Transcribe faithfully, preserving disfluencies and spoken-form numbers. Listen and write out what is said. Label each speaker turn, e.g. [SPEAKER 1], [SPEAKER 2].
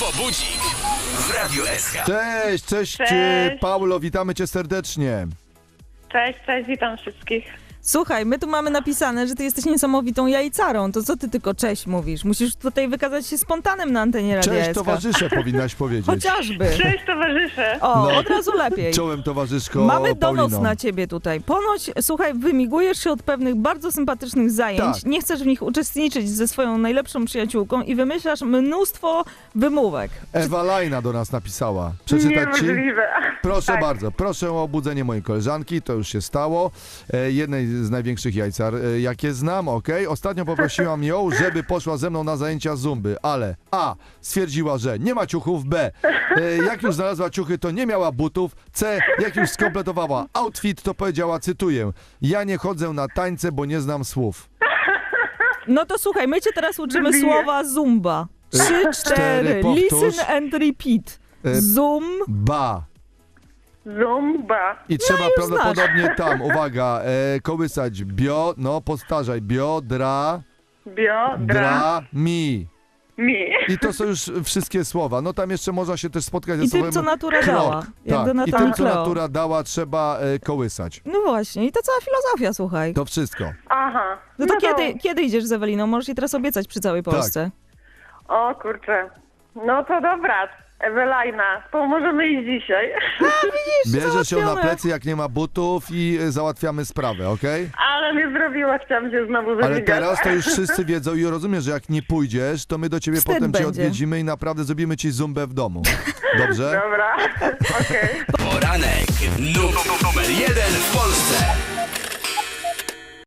[SPEAKER 1] To budzik w Radiu S K.
[SPEAKER 2] Cześć, cześć,
[SPEAKER 3] Cześć.
[SPEAKER 2] Paulo, witamy cię serdecznie.
[SPEAKER 3] Cześć, cześć, witam wszystkich.
[SPEAKER 4] Słuchaj, my tu mamy napisane, że ty jesteś niesamowitą jajcarą. To co ty tylko cześć mówisz? Musisz tutaj wykazać się spontanem na antenie Radia
[SPEAKER 2] Cześć
[SPEAKER 4] S K.
[SPEAKER 2] towarzysze, powinnaś powiedzieć.
[SPEAKER 4] Chociażby.
[SPEAKER 3] Cześć towarzysze.
[SPEAKER 4] O,
[SPEAKER 2] No.
[SPEAKER 4] od razu lepiej.
[SPEAKER 2] Czołem towarzyszko
[SPEAKER 4] Mamy donos
[SPEAKER 2] Paulino.
[SPEAKER 4] na ciebie tutaj. Ponoć, słuchaj, wymigujesz się od pewnych bardzo sympatycznych zajęć,
[SPEAKER 2] Tak.
[SPEAKER 4] nie chcesz w nich uczestniczyć ze swoją najlepszą przyjaciółką i wymyślasz mnóstwo wymówek.
[SPEAKER 2] Ewa Lajna do nas napisała. Przeczytać ci?
[SPEAKER 3] Niemożliwe.
[SPEAKER 2] Proszę
[SPEAKER 3] Tak.
[SPEAKER 2] bardzo, proszę o obudzenie mojej koleżanki, to już się stało. E, jednej z największych jajcar, e, jakie znam, okej? Ostatnio poprosiłam ją, żeby poszła ze mną na zajęcia zumby, ale A. Stwierdziła, że nie ma ciuchów, B. E, jak już znalazła ciuchy, to nie miała butów, C. Jak już skompletowała outfit, to powiedziała, cytuję, ja nie chodzę na tańce, bo nie znam słów.
[SPEAKER 4] No to słuchaj, my cię teraz uczymy
[SPEAKER 3] Wybiję.
[SPEAKER 4] słowa zumba. Trzy,
[SPEAKER 2] cztery,
[SPEAKER 4] cztery.
[SPEAKER 2] powtórz.
[SPEAKER 4] Listen and repeat.
[SPEAKER 2] E,
[SPEAKER 4] Zoom.
[SPEAKER 2] Ba.
[SPEAKER 3] Zumba.
[SPEAKER 2] I trzeba
[SPEAKER 4] już
[SPEAKER 2] prawdopodobnie tam, uwaga, e, kołysać bio, no powtarzaj, biodra,
[SPEAKER 3] Biodra.
[SPEAKER 2] dra, mi.
[SPEAKER 3] Mi.
[SPEAKER 2] I to są już wszystkie słowa. No tam jeszcze można się też spotkać ze
[SPEAKER 4] I
[SPEAKER 2] słowem
[SPEAKER 4] tym, co natura
[SPEAKER 2] krok.
[SPEAKER 4] dała. Jak
[SPEAKER 2] Tak.
[SPEAKER 4] do
[SPEAKER 2] I
[SPEAKER 4] Natana
[SPEAKER 2] tym, co
[SPEAKER 4] Cleo.
[SPEAKER 2] natura dała, trzeba e, kołysać.
[SPEAKER 4] No właśnie, i to cała filozofia, słuchaj.
[SPEAKER 2] To wszystko.
[SPEAKER 3] Aha.
[SPEAKER 4] No to kiedy, kiedy idziesz z Eweliną? Możesz jej teraz obiecać przy całej
[SPEAKER 2] Tak.
[SPEAKER 4] Polsce.
[SPEAKER 3] O kurczę. No to dobra. Ewelajna, to możemy iść dzisiaj.
[SPEAKER 2] Bierzesz ją na
[SPEAKER 4] załatwione.
[SPEAKER 2] plecy, jak nie ma butów i e, załatwiamy sprawę, okej?
[SPEAKER 3] Ale mnie zrobiła, chciałam się znowu wymigać.
[SPEAKER 2] Ale teraz to już wszyscy wiedzą i rozumiesz, że jak nie pójdziesz, to my do ciebie
[SPEAKER 4] Wstyd
[SPEAKER 2] potem cię
[SPEAKER 4] będzie.
[SPEAKER 2] odwiedzimy i naprawdę zrobimy ci zumbę w domu. Dobrze?
[SPEAKER 3] Dobra, okej.
[SPEAKER 1] Poranek nu- numer jeden w Polsce.